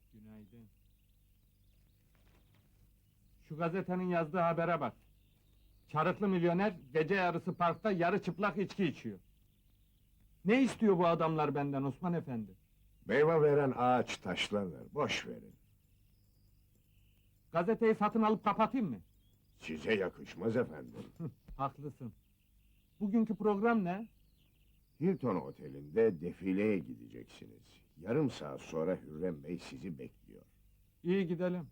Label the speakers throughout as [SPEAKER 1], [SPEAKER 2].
[SPEAKER 1] Günaydın. Şu gazetenin yazdığı habere bak. Çarıklı milyoner gece yarısı parkta yarı çıplak içki içiyor. Ne istiyor bu adamlar benden Osman Efendi?
[SPEAKER 2] Meyve veren ağaç taşlanır, boş verin.
[SPEAKER 1] Gazeteyi satın alıp kapatayım mı?
[SPEAKER 2] Size yakışmaz efendim.
[SPEAKER 1] Haklısın. Bugünkü program ne?
[SPEAKER 2] Hilton Oteli'nde defileye gideceksiniz. Yarım saat sonra Hürrem Bey sizi bekliyor.
[SPEAKER 1] İyi gidelim.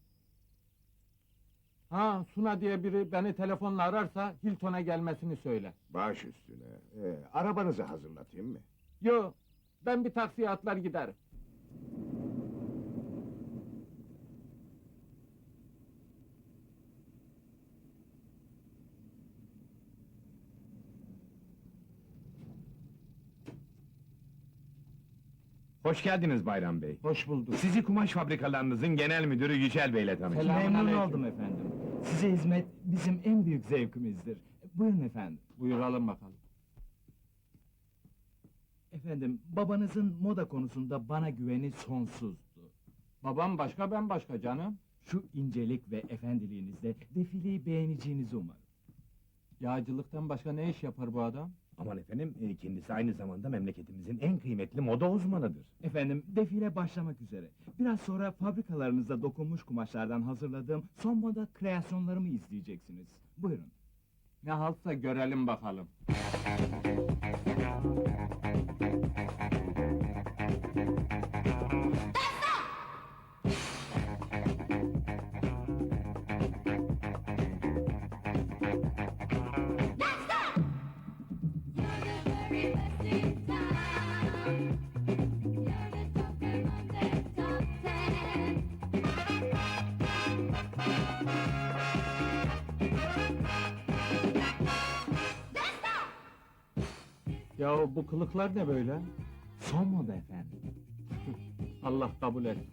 [SPEAKER 1] Ha, Suna diye biri beni telefonla ararsa Hilton'a gelmesini söyle.
[SPEAKER 2] Baş üstüne. Arabanızı hazırlatayım mı?
[SPEAKER 1] Yo, ben bir taksiye atlar giderim.
[SPEAKER 3] Hoş geldiniz Bayram Bey.
[SPEAKER 1] Hoş bulduk.
[SPEAKER 3] Sizi kumaş fabrikalarınızın genel müdürü Yücel Bey'le tanıştırdım.
[SPEAKER 1] Selam.
[SPEAKER 4] Memnun
[SPEAKER 1] Selamünaleyküm.
[SPEAKER 4] oldum efendim. Size hizmet bizim en büyük zevkimizdir. Buyurun efendim.
[SPEAKER 1] Buyuralım bakalım.
[SPEAKER 4] Efendim, babanızın moda konusunda bana güveni sonsuzdu.
[SPEAKER 1] Babam başka, ben başka canım.
[SPEAKER 4] Şu incelik ve efendiliğinizle defileyi beğeneceğinizi umarım.
[SPEAKER 1] Yağcılıktan başka ne iş yapar bu adam?
[SPEAKER 3] Aman efendim, kendisi aynı zamanda memleketimizin en kıymetli moda uzmanıdır.
[SPEAKER 4] Efendim, defile başlamak üzere. Biraz sonra fabrikalarınızda dokunmuş kumaşlardan hazırladığım son moda kreasyonlarımı izleyeceksiniz. Buyurun.
[SPEAKER 1] Ne haltsa görelim bakalım. Ya bu kılıklar ne böyle?
[SPEAKER 4] Son moda efendim.
[SPEAKER 1] Allah kabul et.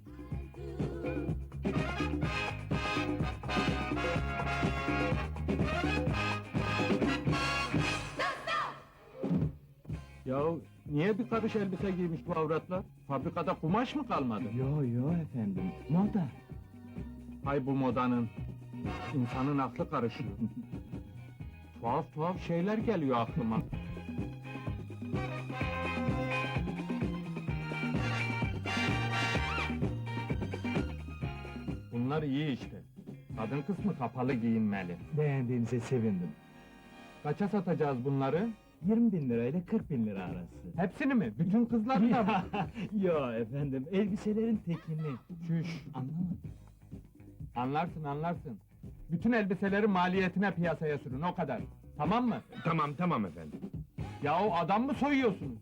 [SPEAKER 1] Ya niye bir karış elbise giymiş bu avratlar? Fabrikada kumaş mı kalmadı?
[SPEAKER 4] Yo efendim, moda.
[SPEAKER 1] Hay bu modanın. İnsanın aklı karışıyor. Tuhaf tuhaf şeyler geliyor aklıma. Bunlar iyi işte. Kadın kısmı kapalı giyinmeli.
[SPEAKER 4] Beğendiğinize sevindim.
[SPEAKER 1] Kaça satacağız bunları?
[SPEAKER 4] 20.000 lirayla 40.000 lira arası.
[SPEAKER 1] Hepsini mi? Bütün kızlar da mı?
[SPEAKER 4] Yo efendim, elbiselerin tekini.
[SPEAKER 1] Çüş!
[SPEAKER 4] Anlamadım.
[SPEAKER 1] Anlarsın anlarsın. Bütün elbiseleri maliyetine piyasaya sürün, o kadar. Tamam mı?
[SPEAKER 3] Tamam efendim.
[SPEAKER 1] Yahu adam mı soyuyorsunuz?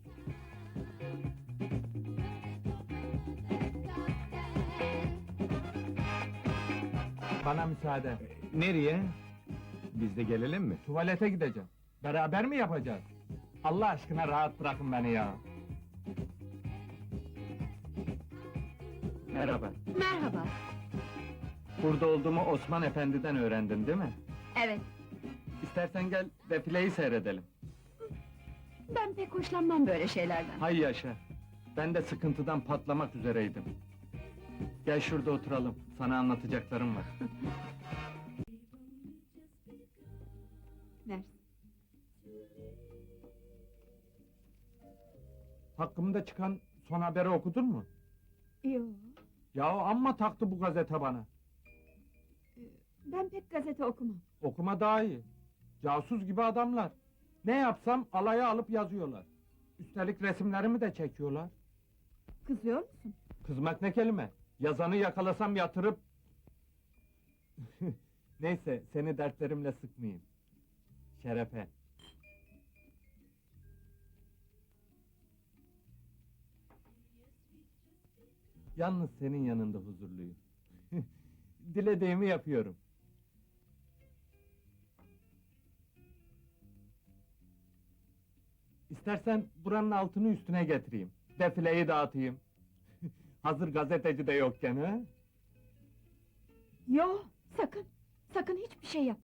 [SPEAKER 1] Bana müsaade.
[SPEAKER 3] Nereye? Biz de gelelim mi?
[SPEAKER 1] Tuvalete gideceğim. Beraber mi yapacağız? Allah aşkına rahat bırakın beni ya. Merhaba.
[SPEAKER 5] Merhaba.
[SPEAKER 1] Burada olduğumu Osman Efendi'den öğrendin değil mi?
[SPEAKER 5] Evet,
[SPEAKER 1] İstersen gel defileyi seyredelim.
[SPEAKER 5] ben pek hoşlanmam böyle şeylerden.
[SPEAKER 1] Hay yaşa. Ben de sıkıntıdan patlamak üzereydim. Gel şurada oturalım. Sana anlatacaklarım var.
[SPEAKER 5] Ver.
[SPEAKER 1] Hakkımda çıkan son haberi okudun mu?
[SPEAKER 5] Yo,
[SPEAKER 1] Ya amma taktı bu gazete bana.
[SPEAKER 5] ben pek gazete okumam.
[SPEAKER 1] Okuma daha iyi. Casus gibi adamlar. Ne yapsam alaya alıp yazıyorlar. Üstelik resimlerimi de çekiyorlar.
[SPEAKER 5] Kızıyor musun?
[SPEAKER 1] Kızmak ne kelime? Yazanı yakalasam yatırıp... Neyse, seni dertlerimle sıkmayayım. Şerefe. Yalnız senin yanında huzurluyum. Dilediğimi yapıyorum. İstersen buranın altını üstüne getireyim. Defileyi dağıtayım. Hazır gazeteci de yokken ha?
[SPEAKER 5] Yo, sakın. Sakın hiçbir şey yap.